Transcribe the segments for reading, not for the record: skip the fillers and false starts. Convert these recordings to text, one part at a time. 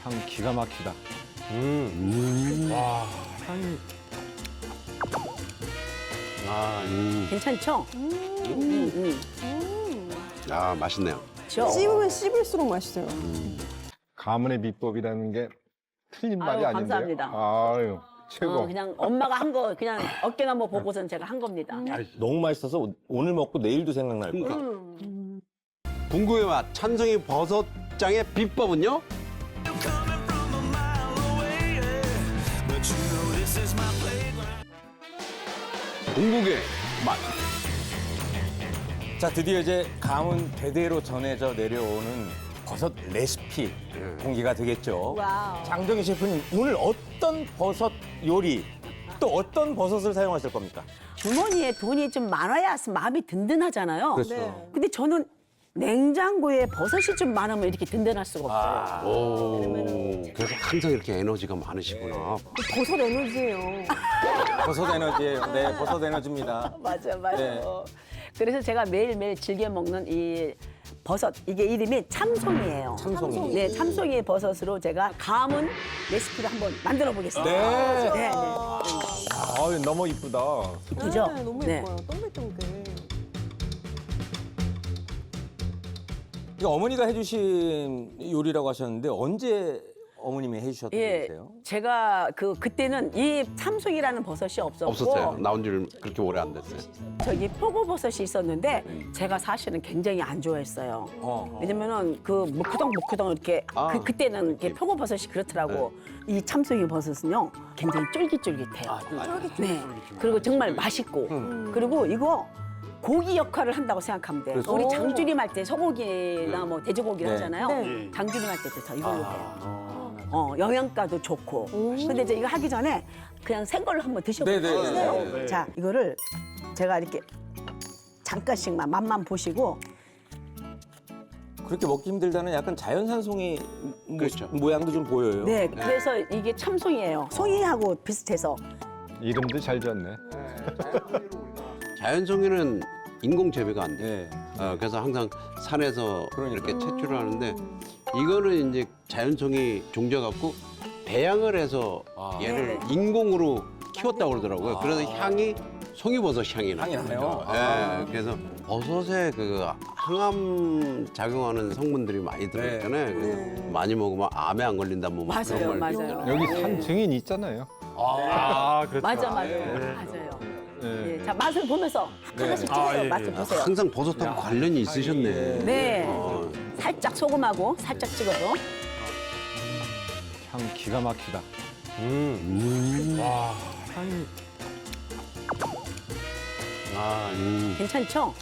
향 기가 막히다. 와. 향이 괜찮죠? 아, 맛있네요. 그렇죠? 씹으면 씹을수록 맛있어요. 가문의 비법이라는 게 틀린 말이 아유, 아닌데요. 감사합니다. 아유, 최고. 그냥 엄마가 한 거 그냥 어깨나 뭐 보고선 제가 한 겁니다. 너무 맛있어서 오늘 먹고 내일도 생각날 거야. 궁금의 맛 찬성이 버섯장의 비법은요? 궁극의 맛. 자, 드디어 이제 가문 대대로 전해져 내려오는 버섯 레시피 공개가 되겠죠. 와우. 장정희 셰프님, 오늘 어떤 버섯 요리, 또 어떤 버섯을 사용하실 겁니까? 주머니에 돈이 좀 많아야 마음이 든든하잖아요. 그렇죠. 네. 근데 저는 냉장고에 버섯이 좀 많으면 이렇게 든든할 수가 없어요. 오, 그래서 항상 이렇게 에너지가 많으시구나. 버섯 에너지예요. 버섯 에너지예요. 네, 버섯 에너지입니다. 맞아, 맞아. 네. 그래서 제가 매일매일 즐겨 먹는 이 버섯, 이게 이름이 참송이에요. 참송이. 네, 참송이 버섯으로 제가 가문 레시피를 한번 만들어 보겠습니다. 네. 네, 네. 아유, 너무 이쁘다. 이쁘죠? 네, 너무 네. 예뻐요. 동글동글. 이거 어머니가 해주신 요리라고 하셨는데 언제 어머님이 해주셨던 예, 요리세요? 제가 그때는 이 참송이라는 버섯이 없었고 없었어요. 나온 지 그렇게 오래 안 됐어요. 저기 표고버섯이 있었는데 제가 사실은 굉장히 안 좋아했어요. 왜냐면은 그 무크덩무크덩 이렇게 아, 그때는 이렇게 표고버섯이 그렇더라고. 이 참송이 버섯은요 굉장히 쫄깃쫄깃해요. 네. 그리고 정말 맛있고 그리고 이거 고기 역할을 한다고 생각하면 돼. 그렇죠. 우리 장조림 할 때 소고기나 뭐 돼지고기를 네. 하잖아요. 네. 장조림 할 때도 더 이걸로 해요. 영양가도 좋고. 근데 이제 이거 하기 전에 그냥 생걸로 한번 드셔보세요. 네네. 자, 이거를 제가 이렇게 잠깐씩만 맛만 보시고 그렇게 먹기 힘들다는 약간 자연산 송이 그렇죠. 모양도 좀 보여요. 네, 그래서 이게 참송이에요. 송이하고 비슷해서 이름도 잘 지었네. 자연송이는 인공 재배가 안 돼. 네. 그래서 항상 산에서 그러니까. 이렇게 채취를 하는데 이거는 이제 자연송이 종져갖고 배양을 해서 얘를 인공으로 키웠다고 그러더라고요. 그래서 향이 송이버섯 향이 향이 나요? 네, 그래서 버섯에 그 항암 작용하는 성분들이 많이 들어있잖아요. 그래서 많이 먹으면 암에 안 걸린다 뭐 맞아요, 그런 말 맞아요. 있잖아요. 여기 산 증인 있잖아요. 아, 그렇죠. 맞아, 맞아요. 네. 예, 자, 맛을 보면서 하나씩 찍어요. 맛을 보세요. 항상 버섯하고 관련이 있으셨네. 네, 살짝 소금하고 살짝 찍어서. 향 기가 막히다. 와, 향이 괜찮죠?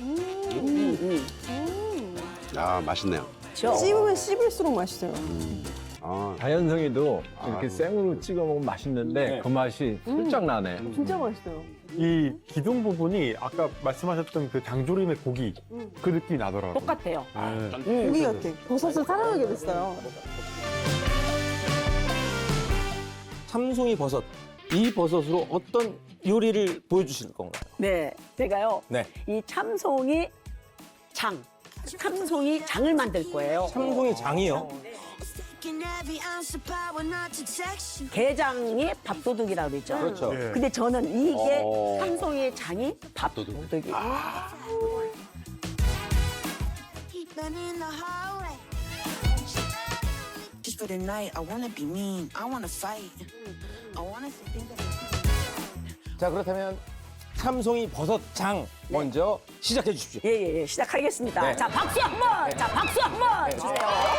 아, 맛있네요. 그렇죠? 씹으면 씹을수록 맛있어요. 아, 자연성이도 이렇게 생으로 찍어 먹으면 맛있는데 그 맛이 살짝 나네. 진짜 맛있어요. 이 기둥 부분이 아까 말씀하셨던 그 장조림의 고기 그 느낌이 나더라고요. 똑같아요. 고기 같아. 버섯을 사랑하게 됐어요. 참송이 버섯. 이 버섯으로 어떤 요리를 보여주실 건가요? 네, 제가요. 네. 이 참송이 장을 만들 거예요. 참송이 장이요? 게장이 밥도둑이라고 그러죠. 그렇죠. 예. 근데 저는 이게 참송이 장이 밥도둑이. Just for the night, I wanna be mean, I wanna fight. I wanna think that 자, 그렇다면 참송이 버섯 장 먼저 시작해 주십시오. 예, 시작하겠습니다. 네. 자, 박수 한 번! 자, 박수 한 번! 주세요.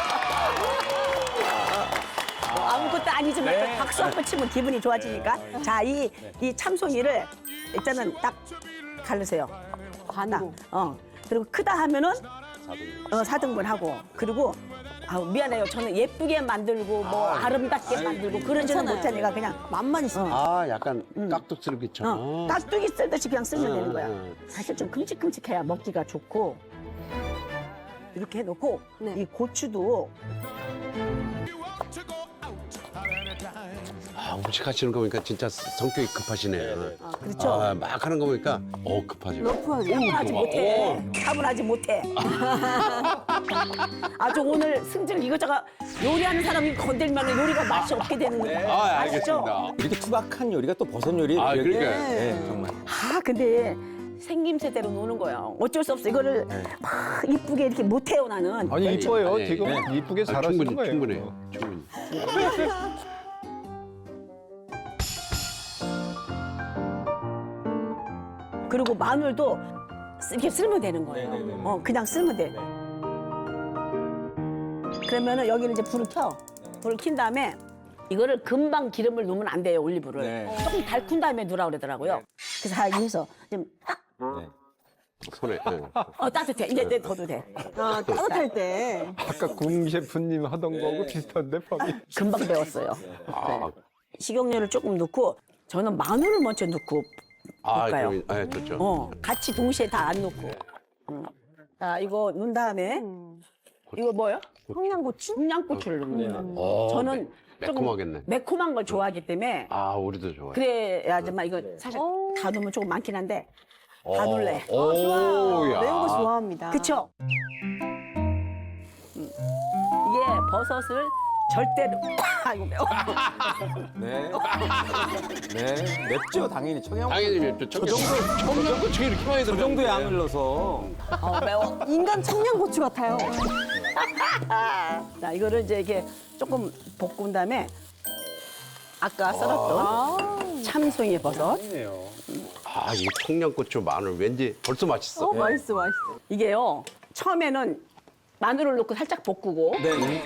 아무것도 아니지만 네. 또 박수 한 번 치면 기분이 좋아지니까. 자, 이 참송이를 일단은 딱 가르세요. 반으로. 그리고 크다 하면은 4등분 하고. 그리고 미안해요. 저는 예쁘게 만들고 뭐 아름답게 만들고 그러지는 못하니까 그냥 맛만 있어요. 아, 약간 깍둑스럽게처럼. 깍두기 쓸듯이 그냥 쓰면 되는 거야. 음. 사실 좀 큼직큼직해야 먹기가 좋고. 이렇게 해놓고 네. 이 고추도 아, 음식하시는 거 보니까 진짜 성격이 급하시네. 그렇죠. 아, 막 하는 거 보니까 급하죠. 차분하지 못해. 차분하지 못해. 아주 오늘 승질 이것저것 요리하는 사람이 건들면 요리가 맛이 없게 되는 거예요. 아, 아시죠? 알겠습니다. 이렇게 투박한 요리가 또 버섯 요리예요. 아, 그러니까요. 네, 정말. 아 근데 생김새대로 노는 거예요. 어쩔 수 없어. 이거를 막 이쁘게 이렇게 못해요 나는. 아니 이뻐요. 아니, 지금 네. 이쁘게 아, 잘하시는 충분히, 거예요. 충분해. 충분히. 그리고 마늘도 이렇게 쓸면 되는 거예요. 그냥 쓸면 돼. 그러면은 여기를 이제 불을 켜. 불을 킨 다음에 이거를 금방 기름을 넣으면 안 돼요, 올리브를. 네. 조금 달군 다음에 넣으라 그러더라고요. 그래서 다 해서 좀 손에. 네. 따뜻해. 이제 더도 돼. 아, 따뜻할 때. 아까 궁 셰프님 하던 거하고 비슷한데 범이. 금방 배웠어요. 아, 식용유를 조금 넣고 저는 마늘을 먼저 넣고 볶아요. 네, 좋죠. 같이 동시에 다 안 넣고. 자, 이거 넣은 다음에 이거 뭐예요? 청양고추? 청양고추를 넣는 거예요. 어, 저는 조금 매콤하겠네. 매콤한 걸 좋아하기 때문에 아, 우리도 좋아요. 그래야지만 이거 사실 다 넣으면 조금 많긴 한데 다 넣을래. 오, 야. 매운 거 좋아합니다. 그쵸? 이게 버섯을 절대로 아이고 매워. 네. 네. 맵죠, 당연히. 당연히 맵죠. 청양고추 이렇게 많이 저 들어가는데. 정도 양을 넣어서. 매워. 인간 청양고추 같아요. 자, 이거를 이제 이렇게 조금 볶은 다음에 아까 썰었던 참송이 버섯. 아, 이 청양고추 마늘 왠지 벌써 맛있어. 맛있어, 맛있어. 이게요, 처음에는 마늘을 넣고 살짝 볶고, 네.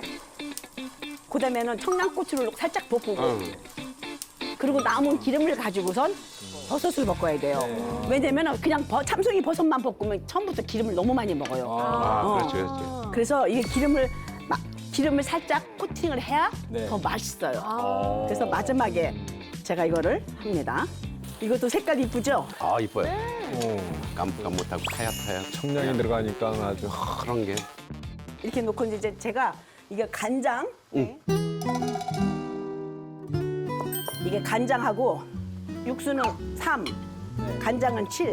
그 다음에는 청양고추를 넣고 살짝 볶고, 응. 그리고 남은 기름을 가지고선 버섯을 볶아야 돼요. 왜냐면 그냥 참송이 버섯만 볶으면 처음부터 기름을 너무 많이 먹어요. 아, 그렇지, 그렇지. 그래서 이게 기름을 살짝 코팅을 해야 네. 더 맛있어요. 그래서 마지막에 제가 이거를 합니다. 이것도 색깔 이쁘죠? 아, 이뻐요. 깜깜못하고 타야타야. 청량이 들어가니까 아주. 그런 게. 이렇게 놓고 이제 제가 이게 간장, 이게 간장하고 육수는 3, 간장은 7.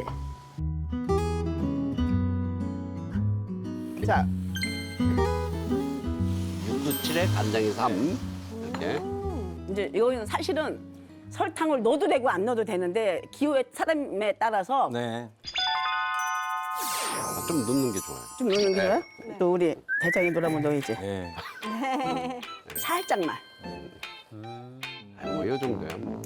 자, 육수 7에 간장이 3. 이렇게. 이제 이거는 사실은 설탕을 넣어도 되고 안 넣어도 되는데 기호의 사람에 따라서 네. 아, 좀 넣는 게 좋아요. 좀 넣는 거예요. 또 우리 대장이 돌아오면 넣어야지. 네. 살짝만. 뭐, 이 정도야, 뭐.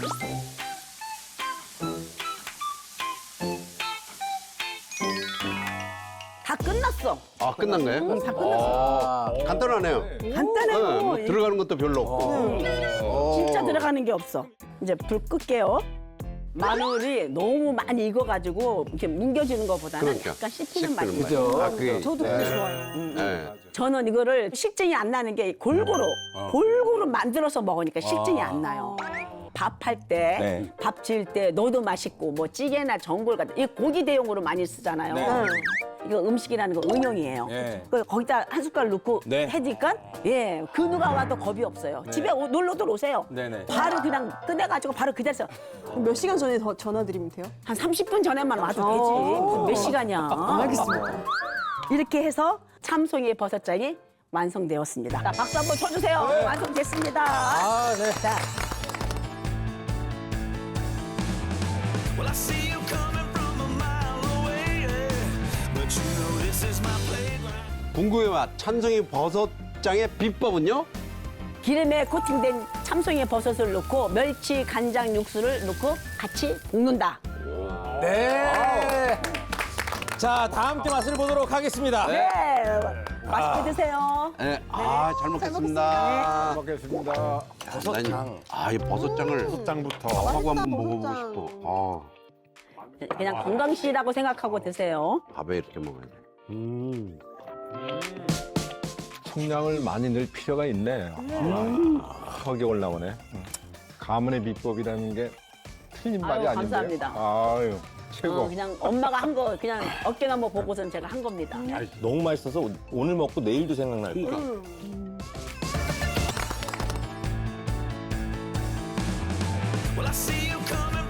다 끝났어. 아, 끝난 거예요? 다 끝났어. 간단하네요. 간단해요. 네, 뭐 들어가는 것도 별로 없고. 진짜 들어가는 게 없어. 이제 불 끌게요. 마늘이 너무 많이 익어가지고 이렇게 뭉겨지는 것보다는 그러니까. 약간 씹히는 맛이 씹히는 있어요. 맛. 아, 그게. 저도 그게 좋아요. 네. 저는 이거를 식증이 안 나는 게 골고루 만들어서 먹으니까 식증이 안 나요. 밥할 때, 네. 밥 지을 때 넣어도 맛있고 뭐 찌개나 전골 같은 이 고기 대용으로 많이 쓰잖아요. 네. 이거 음식이라는 거 응용이에요. 네. 거기다 한 숟갈 넣고 네. 해니까 예, 그 누가 와도 겁이 없어요. 집에 놀러들 오세요. 네네. 바로 그냥 꺼내가지고 바로 그 자리에서 그럼 몇 시간 전에 더 전화드리면 돼요? 한 30분 전에만 와도 되지. 무슨 몇 시간이야. 알겠습니다. 이렇게 해서 참송이 버섯장이 완성되었습니다. 자, 박수 한번 쳐주세요. 완성됐습니다. 아, 네. 자, Well, I see you coming from a mile away, yeah. But you know this is my playground. 궁금해 맛 찬송이 버섯장의 비법은요? 기름에 코팅된 참송이 버섯을 넣고 멸치 간장 육수를 넣고 같이 볶는다. 네. 자, 다 함께 맛을 보도록 하겠습니다. 네. 맛있게 드세요. 네. 아, 잘 먹겠습니다. 먹겠습니다. 버섯장. 이 버섯장을 짱부터. 하고 한번 버섯장. 먹어보고 싶어. 그냥 건강식이라고 생각하고 드세요. 밥에 이렇게 먹어야 돼. 청량을 많이 넣을 필요가 있네. 턱이 올라오네. 가문의 비법이라는 게 틀린 말이 아유, 아닌데요. 감사합니다. 아유, 최고. 그냥 엄마가 한 거 그냥 어깨너머 보고선 제가 한 겁니다. 너무 맛있어서 오늘 먹고 내일도 생각날 거야. Well, I see you coming